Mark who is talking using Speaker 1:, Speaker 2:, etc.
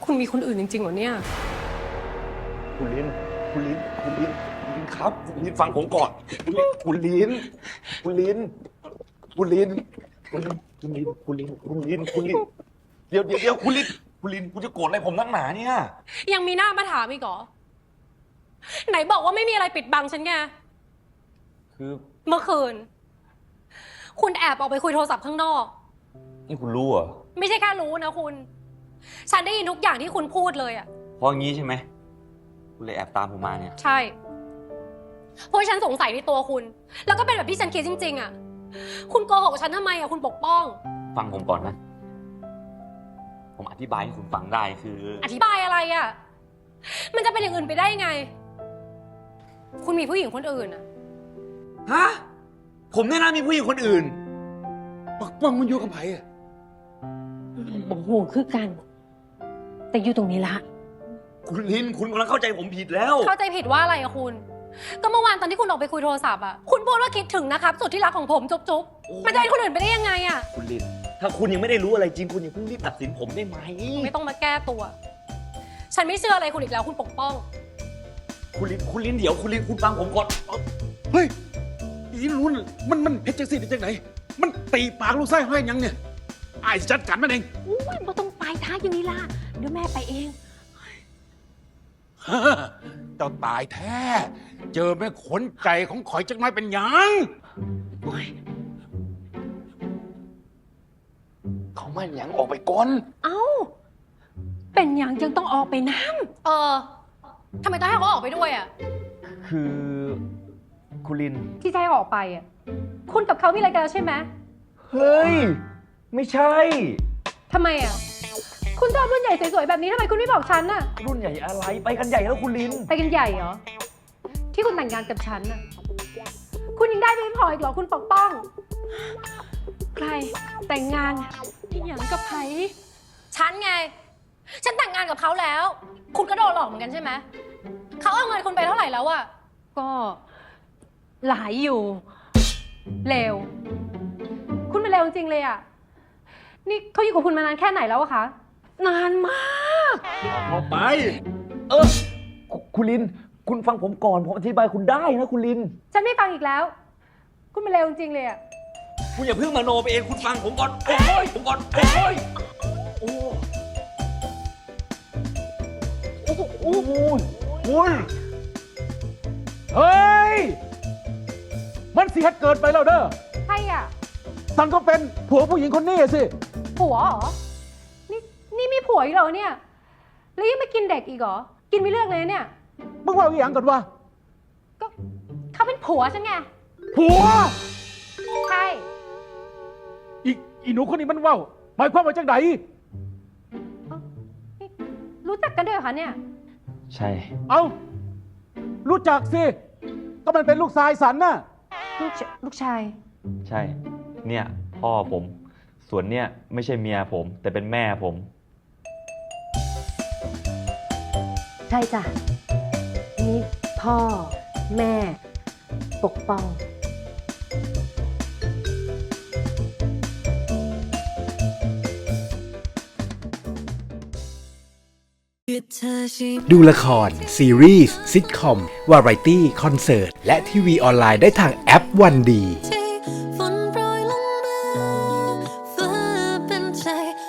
Speaker 1: คุณมีคนอื่นจริงๆเหรอเนี่ย
Speaker 2: คุณลินครับคุณลินฟังผมก่อนคุณลินเดี๋ยวคุณลินคุณจะโกรธอะไรผมนักหนาเนี่ย
Speaker 1: ยังมีหน้ามาถามอีกเหรอไหนบอกว่าไม่มีอะไรปิดบังฉันไง
Speaker 2: คือ
Speaker 1: เมื่อคืนคุณแอบออกไปคุยโทรศัพท์ข้างนอก
Speaker 2: นี่คุณรู้เหรอ
Speaker 1: ไม่ใช่แค่รู้นะคุณฉันได้ยินทุกอย่างที่คุณพูดเลยอะ
Speaker 2: เพราะงี้ใช่ไหมคุณเลยแอบตามผมมาเนี่ย
Speaker 1: ใช่เพราะฉันสงสัยในตัวคุณแล้วก็เป็นแบบที่ฉันคิดจริงๆอะคุณโกหกฉันทำไมอะคุณปกป้อง
Speaker 2: ฟังผมก่อนนะผมอธิบายให้คุณฟังได้คือ
Speaker 1: อธิบายอะไรอะมันจะเป็นอย่างอื่นไปได้ยังไงคุณมีผู้หญิงคนอื่นอะ
Speaker 2: ฮะผมแน่นะมีผู้หญิงคนอื่น
Speaker 3: ปักป้องมันอยู่กับไผ่อะ
Speaker 4: บอกโหคือกัน แต่อยู่ตรงนี้ละ
Speaker 2: คุณลินคุณกำลังเข้าใจผมผิดแล้ว
Speaker 1: เข้าใจผิดว่าอะไรอะคุณก็เมื่อวานตอนที่คุณออกไปคุยโทรศัพท์อะคุณพูดว่าคิดถึงนะครับสุดที่รักของผมจุ๊บมันจะเป็นคนอื่นไปได้ยังไงอะ
Speaker 2: คุณลินถ้าคุณยังไม่ได้รู้อะไรจริงคุณอย่าเพิ่งรีบตัดสินผมได้ไหม
Speaker 1: ไม่ต้องมาแก้ตัวฉันไม่เชื่ออะไรคุณอีกแล้วคุณปกป้อง
Speaker 2: คุณลินเดี๋ยวคุณลินคุณฟังผมก่อน
Speaker 3: เฮ้ยอีรู้มันเฮ็ดจังสิได้จังไหนมันตีปากลูกไส้ให้ยังเนี่ยไอ้จัดการมันเอง
Speaker 4: อุ้ยบ่ต้องไปท้าอยู่นี่ล่ะเดี๋ยวแม่ไปเอง
Speaker 3: เจ้าตายแท้เจอแม่ขนใจของข่อยจักน้อยเป็นหยัง
Speaker 2: เขาไม่หยังออกไปก่อน
Speaker 4: เอ้าเป็นหยังจึงต้องออกไปน้
Speaker 1: ทำไมต้องให้เขาออกไปด้วยอะ
Speaker 2: คือคุณลิน
Speaker 1: ที่จะให้ออกไปอะคุณกับเขามีอะไรกันแล้วใช่ไหม
Speaker 2: เฮ้ยไม่ใช่
Speaker 1: ทำไมอะคุณชอบรุ่นใหญ่สวยๆแบบนี้ทำไมคุณไม่บอกฉันน่ะ
Speaker 2: รุ่นใหญ่อะไรไปกันใหญ่แล้วคุณลิน
Speaker 1: ไปกันใหญ่เหรอที่คุณแต่งงานกับฉันน่ะคุณยังได้ไม่พออีกเหรอคุณปกป้องใครแต่งงานอย่างกับไผฉันไงฉันแต่งงานกับเขาแล้วคุณก็โดนหลอกเหมือนกันใช่ไหมเขาเอาเงินคุณไปเท่าไหร่แล้วอะ
Speaker 4: ก็หลายอยู่
Speaker 1: เลวคุณเป็นเลวจริงๆเลยอะนี่เขาอยู่กับคุณมานานแค่ไหนแล้วอะคะ
Speaker 4: นานมาก
Speaker 3: ออกไป
Speaker 2: คุณลินคุณฟังผมก่อนผมอธิบายคุณได้นะคุณลิน
Speaker 1: ฉันไม่ฟังอีกแล้วคุณเป็นเลวจริงๆเลยอะ
Speaker 2: คุณอย่าเพิ่งมโนไปเองคุณฟังผมก่อนโอ้ยผมก่อนโอ้ยโอ้
Speaker 3: คุณเฮ้ยมันเสียเกินไปแล้วเด้อ
Speaker 1: ใครอ่ะ
Speaker 3: สันก็เป็นผัวผู้หญิงคนนี้สิ
Speaker 1: ผัวเหรอนี่มีผัวอีกเหรอเนี่ยแล้วยังไม่กินเด็กอีกเหรอกินไม่เลือกเลยเนี่ย
Speaker 3: มึงว่าอีหยังก่อนวะ
Speaker 1: ก็เขาเป็นผัวฉันไง
Speaker 3: ผัว
Speaker 1: ใช่
Speaker 3: อีหนูคนนี้มันว่าวหมายความว่าจังได
Speaker 1: รู้จักกันด้วยเหรอคะเนี่ย
Speaker 2: ใช่
Speaker 3: เอารู้จักสิก็มันเป็นลูกชายสันน่ะ
Speaker 1: ลูกชาย
Speaker 2: ใช่เนี่ยพ่อผมส่วนเนี่ยไม่ใช่เมียผมแต่เป็นแม่ผม
Speaker 4: ใช่จ้ะนี่พ่อแม่ปกป้อง
Speaker 5: ดูละครซีรีส์ซิทคอมวาไรตี้คอนเสิร์ตและทีวีออนไลน์ได้ทางแอปวันดี